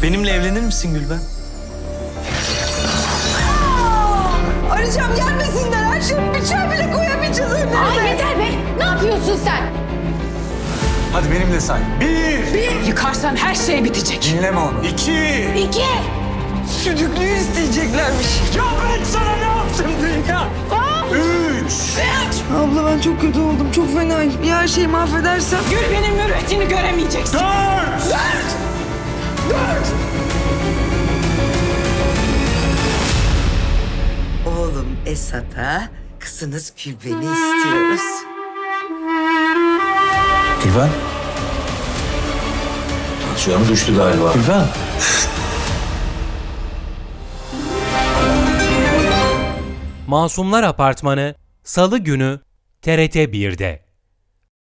Benimle evlenir misin Gülben? Arayacağım gelmesinler. Her şeyi bıçağı bile koyamayacağız önlerine. Ay yeter be! Ne yapıyorsun sen? Hadi benimle say. 1. Yıkarsan her şey bitecek. Dinleme onu. 2. 2. Südüklüğü isteyeceklermiş. Ya ben sana ne yaptım dünya? 3. Abla ben çok kötü oldum. Çok fenayım. Ya her şeyi mahvedersem? Gül benim mürüvvetini göremeyeceksin. 4. Oğlum Esat'a, kızınız Gülben'i istiyoruz. Gülben. Tansiyonu düştü galiba. Gülben. Masumlar Apartmanı Salı günü TRT 1'de.